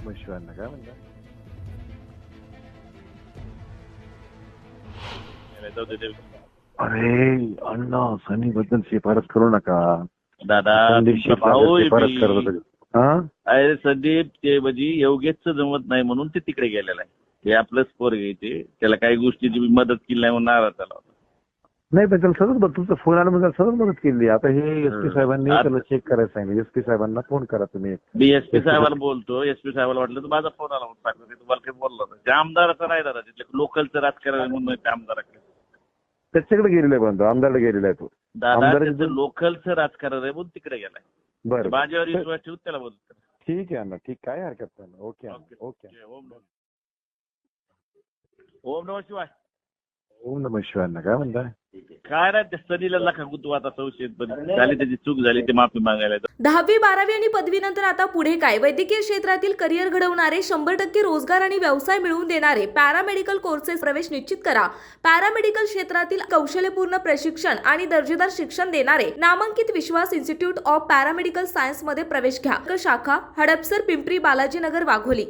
मग शिवांना काय म्हणता? अरे अण्णा सनी बद्दल शिफारस करू नका. दादा संदीप तुमचा भाऊ आहे शिफारस मी. करत होते. हा अरे संदीप ते म्हणजे योगेशचं जमत नाही म्हणून ते तिकडे गेलेला आहे. ते आपलंच पोरग आहे ते. त्याला काही गोष्टीची मी मदत केली नाही म्हणून नाराज झाला होता. नाही पण त्याला सतत तुमचा फोन आला म्हणजे सतत मदत केली. आता हे एसपी साहेबांनी आता- त्याला चेक करायला सांगितलं. एसपी साहेबांना फोन करा तुम्ही. मी एसपी साहेबाला बोलतो. एसपी साहेबाला वाटलं तर माझा फोन आला म्हणून सांगतो. ते तुम्हाला काही बोललो होतं. त्या आमदाराचं नाही दादा तिथल्या लोकलचं राजकारण म्हणून त्या आमदाराकडे. त्याच्याकडे गेलेला आहे पण तो आमदारकडे गेलेला आहे तो. दादा आमदाराचं- त्याचं लोकलचं राजकारण आहे म्हणून तिकडे गेलाय. बरं माझ्यावर बरं. विश्वास ठेवून त्याला बोलतो. ठीक आहे अण्णा ठीक काय हरकत नाही. Okay okay. ओके ओम नमः शिवाय. ओम नमः शिवांना काय म्हणता? काय नाही त्या सनीला नका गुंतू आता संशयित पण झाली त्याची चूक झाली ते माफी मागायला. 10वी 12वी आणि पदवीनंतर आता पुढे काय? वैद्यकीय क्षेत्रातील करिअर घडवणारे 100% रोजगार आणि व्यवसाय मिळवून देणारे पॅरामेडिकल कोर्सेस प्रवेश निश्चित करा. पॅरामेडिकल क्षेत्रातील कौशल्यपूर्ण प्रशिक्षण आणि दर्जेदार शिक्षण देणारे नामांकित विश्वास इन्स्टिट्यूट ऑफ पॅरामेडिकल सायन्स मध्ये प्रवेश घ्या. शाखा हडपसर, पिंपरी, बालाजीनगर, वाघोली.